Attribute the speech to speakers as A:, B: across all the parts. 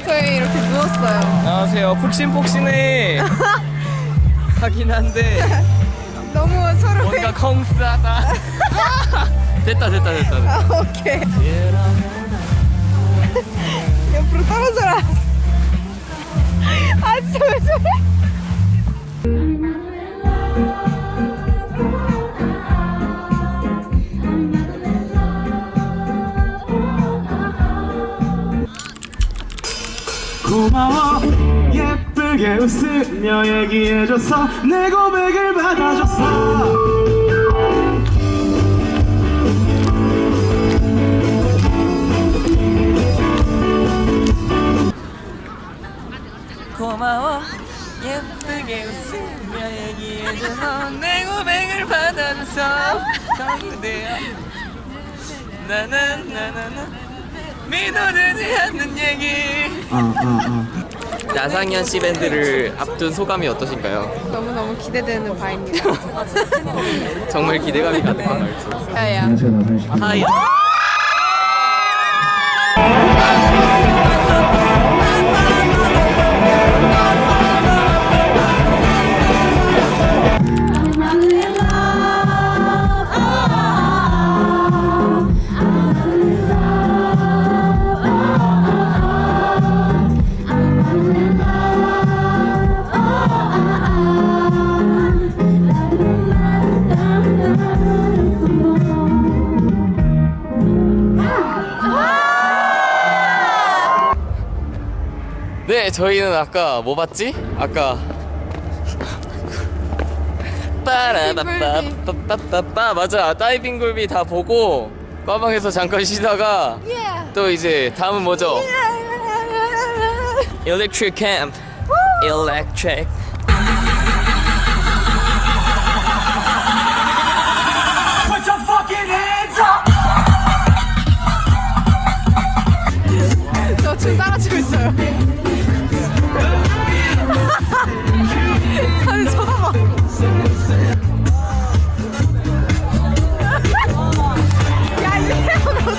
A: 저희 이렇게 누웠어요.
B: 안녕하세요. 푹신푹신해 하긴 한데
A: 너무 서로
B: 뭔가 컹스하다. 됐다.
A: 오케이. 옆으로 떨어져라. 아 진짜 왜 저래?
C: 고마워 예쁘게 웃으며 얘기해줘서 내 고백을 받아줬어.
B: 고마워 예쁘게 웃으며 얘기해줘서 내 고백을 받아줘서 그대야 나는 믿어지지 않는 얘기. 나상현 씨 밴드를 앞둔 소감이 어떠신가요?
A: 너무너무 기대되는 바입니다.
B: 정말 기대감이 가득한 말투.
A: 야야.
C: 안녕하세요, 나상현 씨.
B: 하이. 네, 저희는 아까 뭐 봤지? 아까 빠라빠빠빠빠빠 맞아, 다이빙 굴비 다 보고 과방에서 잠깐 쉬다가 또 이제 다음은 뭐죠? Electric Camp. Electric.
C: Put your fucking hands up.
A: 저 춤 따라추고 있어요. 다들 쳐다봐. 야 이렇게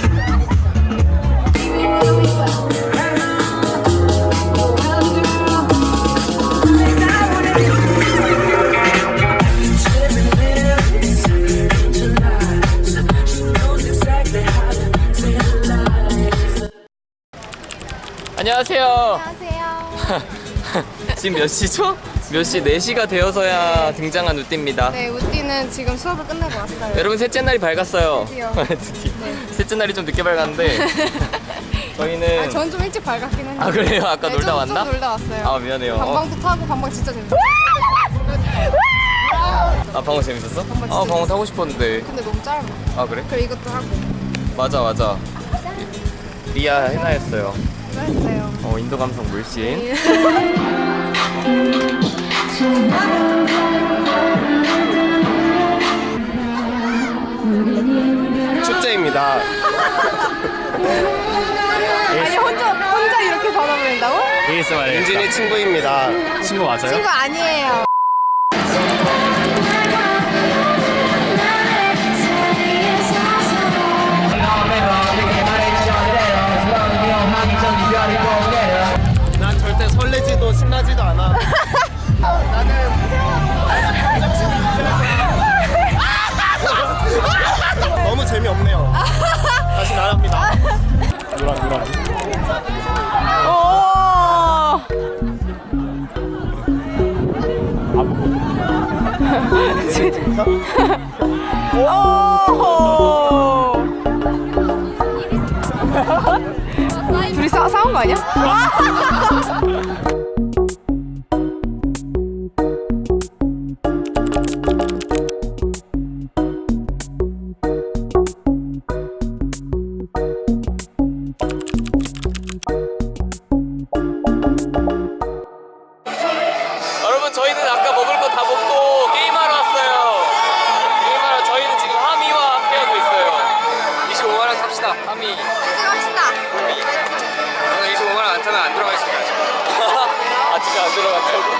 B: 안녕하세요.
A: 안녕하세요.
B: 지금 몇 시죠? 몇 시? 4시가 되어서야 등장한 우띠입니다.
A: 네, 우띠는 지금 수업을 끝내고 왔어요.
B: 여러분 셋째 날이 밝았어요.
A: 드디어.
B: 드디어. 셋째 날이 좀 늦게 밝았는데 저희는
A: 아, 전 좀 일찍 밝았긴 했는데.
B: 아, 그래요? 아까
A: 네,
B: 놀다
A: 좀
B: 왔나?
A: 놀다 왔어요.
B: 아, 미안해요.
A: 방방도 타고 방방 진짜 재밌어.
B: 아, 방어 재밌었어?
A: 방어
B: 아, 방어 타고 싶었는데.
A: 근데 너무 짧아.
B: 아, 그래?
A: 그래 이것도 하고.
B: 맞아. 리아 해나였어요.
A: 그랬어요.
B: 인도 감성 물씬. 축제입니다.
A: 아니 혼자 이렇게 받아버린다고?
B: 윤진이 친구입니다.
D: 친구 맞아요?
A: 친구 아니에요.
C: 난 절대 설레지도 신나지도 않아. 너무 재미없네요. 다시 나갑니다. 누랑.
A: 둘이 싸운 거 아니야?
B: 여러분, 저희는 아까 먹을 거 다 먹고 게임하러 왔어요. 게임하러 저희는 지금 하미와 함께하고 있어요. 25만원 탑시다. 하미.
A: 갑시다.
B: 저는 25만원 안 타면 안 들어가겠습니다. 아직 안 들어갔다고?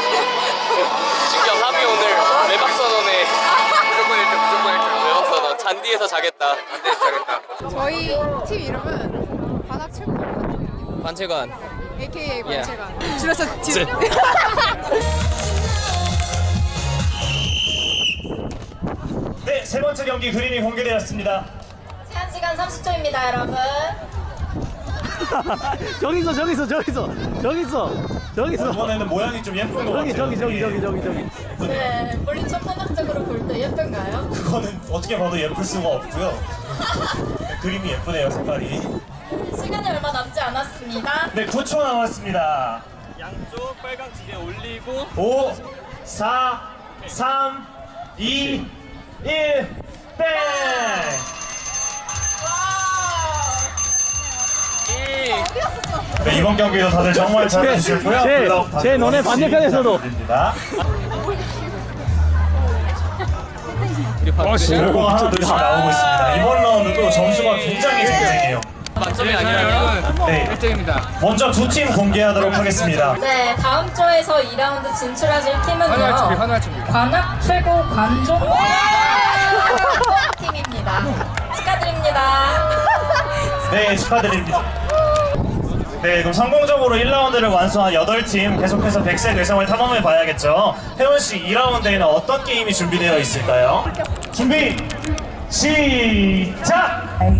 B: 진짜 하미 오늘 외박 선언에 무조건 1등. 외박 선언. 잔디에서 자겠다.
A: 저희 팀 이름은 관악체육관.
B: 관체관.
A: AKA
B: Yeah.
A: 권채관. 줄여서 진.
D: 네, 세 번째 경기 그림이 공개되었습니다.
E: 제한 시간 30초입니다, 여러분.
D: 저기서. 이번에는 모양이 좀 예쁜 것 같아요.
E: 네, 물리 천문학적으로 볼 때 예쁜가요?
D: 그거는 어떻게 봐도 예쁠 수가 없고요. 그림이 예쁘네요, 색깔이.
E: 시간이 얼마 남지 않았습니다.
D: 네, 9초 남았습니다.
B: 양쪽 빨강 지게 올리고
D: 5, 4, 3, 2, 1, 땡! 네, 이번 경기도 다들 정말 잘해주셨고요. 제 너네 반대편에서도. 결과 하나둘씩 나오고 있습니다. 이번 라운드도 점수가 굉장히 쟁쟁해요.
B: 만점이 아니라면
D: 네,
B: 1등입니다.
D: 먼저 두 팀 공개하도록 하겠습니다.
E: 네, 다음 조에서 2라운드 진출하실 팀은요. 관악 최고 관종 팀입니다. 축하드립니다.
D: 네, 축하드립니다. 네, 그럼 성공적으로 1라운드를 완수한 8팀 계속해서 100세 뇌성을 탐험해 봐야겠죠. 혜원씨, 2라운드에는 어떤 게임이 준비되어 있을까요? 준비, 시작!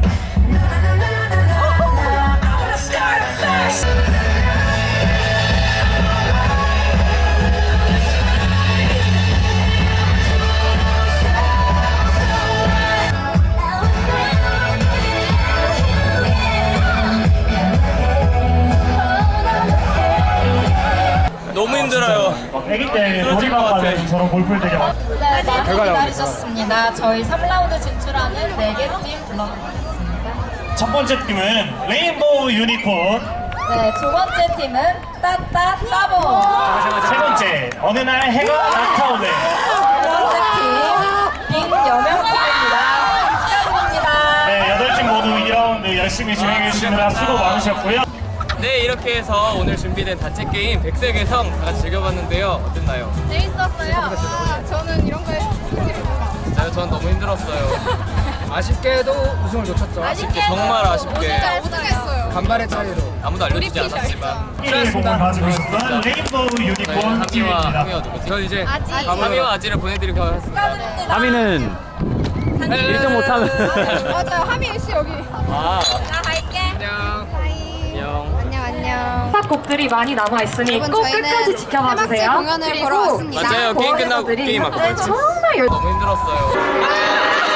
B: 너무 힘들어요.
D: 애기 때 놀이방 가면 저런 골프를 되게 많이
E: 네, 많이 기다리셨습니다. 저희 3라운드 진출하는 4개 팀 불러드리겠습니다.
D: 첫 번째 팀은 레인보우 유니콘,
E: 네, 두 번째 팀은 따따 따봉.
D: 세 번째 어느 날 해가 나타오네.
E: 세 번째 팀 빈여명팀입니다. 축하드립니다.
D: 네, 8팀 모두 2라운드 열심히 진행해 주시느라 수고 많으셨고요.
B: 네, 이렇게 해서 오늘 준비된 단체 게임 백세 개성 다 같이 즐겨봤는데요. 어땠나요?
A: 재밌었어요. 저는 이런 거에
B: 전 너무 힘들었어요. 아쉽게도 우승을 놓쳤죠. 아쉽게, 정말 아쉽게.
A: 진짜 우승했어요.
B: 간발의 차이로 아무도 알려주지 않았지만
D: 1위 공을 가지고 있었던 레인보우 유니콘 팀입니다.
B: 전 이제
A: 아지.
B: 하미와 아지를 보내드리고 하겠습니다.
E: 축하드립니다.
F: 하미는 1등 못하면
A: 맞아요. 하민 씨 여기.
B: 아,
E: 나 갈게.
B: 안녕.
A: 하이.
B: 안녕.
A: 안녕.
G: 곡들이 많이 남아 있으니 꼭 끝까지 지켜봐 주세요.
A: 공연을 보러 왔습니다.
B: 맞아요. 게임 끝나고 게임 아까
G: 네,
B: 봤지.
G: 정말
B: 너무 힘들었어요.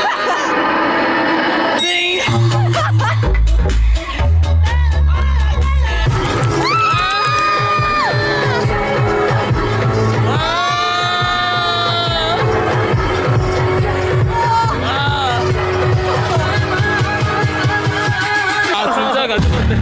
B: 아, 진짜 가져갔네.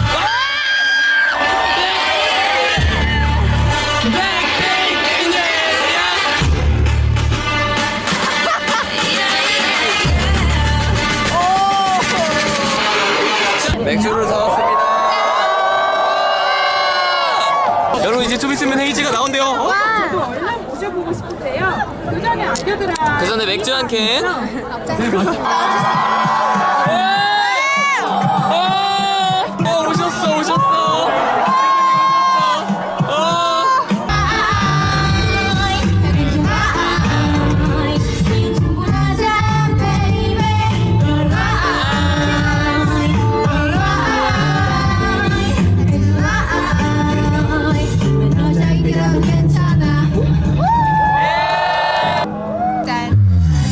B: 맥주를 사왔습니다. 여러분, 이제 좀 있으면 헤이즈가 나온대요. 그 전에 맥주 한 캔. 오셨어.
A: 짠.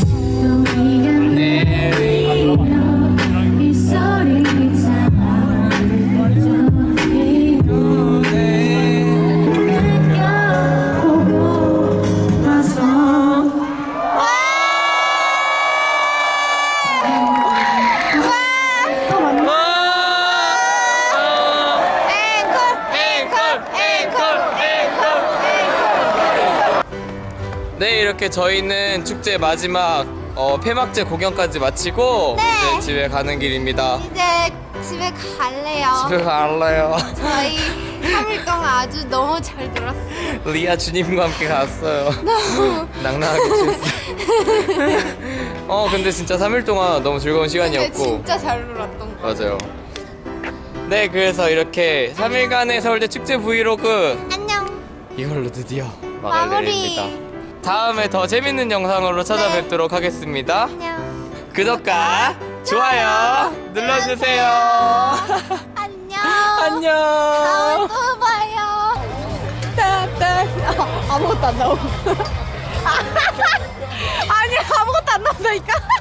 B: 네, 이렇게 저희는 축제 마지막 폐막제 공연까지 마치고 이제 집에 가는 길입니다.
A: 이제 집에 갈래요.
B: 집에 갈래요.
A: 저희 3일 동안 아주 너무 잘 놀았어요.
B: 리아 주님과 함께 갔어요.
A: 너무.
B: 낭낭하게 춤. 근데 진짜 3일 동안 너무 즐거운
A: 근데
B: 시간이었고.
A: 진짜 잘 놀았던 거.
B: 맞아요. 네, 그래서 이렇게 3일간의 서울대 축제 브이로그
A: 안녕.
B: 이걸로 드디어
A: 마무리.
B: 막을 내립니다. 다음에 더 재밌는 영상으로 찾아뵙도록 하겠습니다.
A: 안녕.
B: 구독과 좋아요 눌러주세요.
A: 안녕.
B: 안녕.
A: 다음에 또 봐요. 아무것도 안 나오고. 아니 아무것도 안 나온다니까.